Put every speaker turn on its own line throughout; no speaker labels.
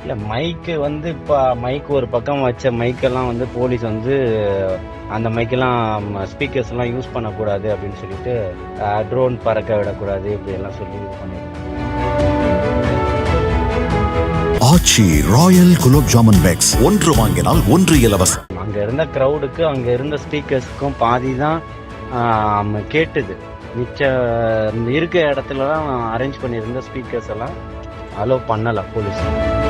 இல்ல மைக்கு வந்து இப்ப மைக் ஒரு பக்கம் வச்ச மைக்கெல்லாம் வந்து போலீஸ் வந்து அந்த மைக்கெல்லாம் ஸ்பீக்கர்ஸ் எல்லாம் யூஸ் பண்ணக்கூடாது அப்படின்னு சொல்லிட்டு ட்ரோன் பறக்க விடக்கூடாது இப்படி எல்லாம் சொல்லி இது பண்ணிருக்காங்க.
ஆச்சி ராயல் குலோப் ஜாமுன் பேக்ஸ் ஒன்று வாங்கினால் ஒன்று இலவசம்.
அங்க இருந்த கிரௌடுக்கு அங்க இருந்த ஸ்பீக்கர்ஸ்க்கும் பாதி தான் கேட்டுது. மிச்ச இருக்க இடத்துல தான் அரேஞ்ச் பண்ணியிருந்த ஸ்பீக்கர்ஸ் எல்லாம் அலோவ் பண்ணல போலீஸ்.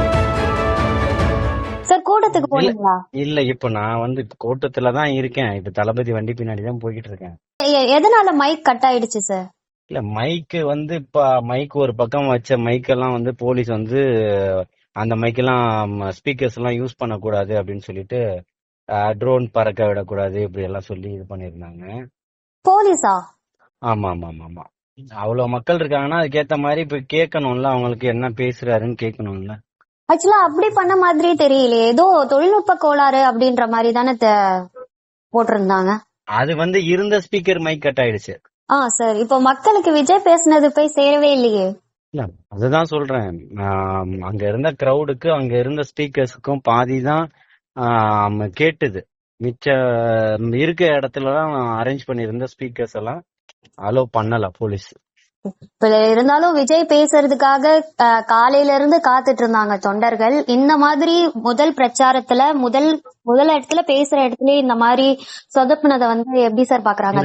சார் கூட்டத்துக்கு போனீங்களா?
இல்ல இப்ப நான் வந்து கூட்டத்துல தான் இருக்கேன். இப்ப தளபதி வண்டி பின்னாடி தான் போய்கிட்டு இருக்கேன்.
எதனால மைக் கட் ஆயிடுச்சு சார்?
இல்ல மைக்கு வந்து இப்ப மைக் ஒரு பக்கம் வச்ச மைக்கெல்லாம் வந்து போலீஸ் வந்து அந்த மைக்கெல்லாம் ஸ்பீக்கர்ஸ் எல்லாம் யூஸ் பண்ணக்கூடாது அப்படின்னு சொல்லிட்டு ட்ரோன் பறக்க விடக்கூடாது இப்படி எல்லாம் சொல்லி இது பண்ணிருந்தாங்க.
போலீஸா?
ஆமா ஆமா ஆமா ஆமா. அவ்வளவு மக்கள் இருக்காங்கன்னா அதுக்கேத்த மாதிரி இப்ப கேட்கணும்ல, அவங்களுக்கு என்ன பேசுறாருன்னு கேட்கணும்ல.
ஆக்சுவலா அப்படி பண்ண மாதிரி தெரியலையே, ஏதோ தொழில்நுட்ப கோளாறு அப்படின்ற மாதிரி தானே போட்டிருந்தாங்க.
அது வந்து இருந்த ஸ்பீக்கர் மைக் கட் ஆயிடுச்சு.
சார் இப்போ மக்களுக்கு விஜய் பேசுனது போய் சேரவே இல்லையே.
இல்ல அதுதான் சொல்றேன். அங்க இருந்த கிரௌடுக்கு அங்க இருந்த ஸ்பீக்கர்ஸுக்கும் பாதி தான் கேட்டுது. மிச்ச இருக்க இடத்துல தான் அரேஞ்ச் பண்ணியிருந்த ஸ்பீக்கர்ஸ் எல்லாம் அலோவ் பண்ணல போலீஸ்.
இப்ப இருந்தாலும் விஜய் பேசுறதுக்காக காலையில இருந்து காத்துட்டு இருந்தாங்க தொண்டர்கள். இந்த மாதிரி முதல் பிரச்சாரத்துல முதல் இடத்துல பேசுற இடத்துல இந்த மாதிரி சொதப்புனதை வந்து எப்படி சார் பாக்குறாங்க?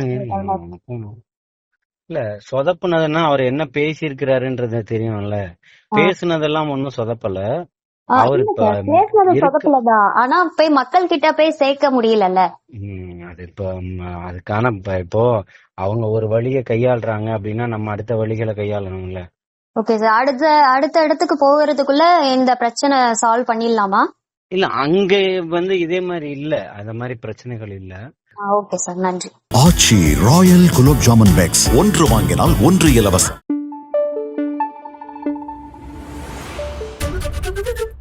இல்ல சொதப்புனதுன்னா அவர் என்ன பேசியிருக்கிறாருன்றது தெரியும்ல. பேசுனதெல்லாம் ஒன்னும் சொதப்பல. அவரு
பேசுனது சொதப்பலதான், ஆனா போய் மக்கள் கிட்ட போய் சேர்க்க முடியலல்ல.
அது இப்ப அதுக்கான இப்போ அவங்க ஒரு வழியை கையாளுறாங்க அப்படின்னா நம்ம அடுத்த வழிகளை கையாளணும்ல.
ஓகே சார், அடுத்த இடத்துக்கு போகிறதுக்குள்ள இந்த பிரச்சனை சால்வ் பண்ணிடலாமா?
இல்ல அங்க வந்து இதே மாதிரி இல்ல, அந்த மாதிரி பிரச்சனைகள் இல்ல.
ஓகே சார், நன்றி.
ஆச்சி ராயல் குலோப் ஜாமுன் பேக்ஸ் ஒன்று வாங்கினால் ஒன்று இலவசம்.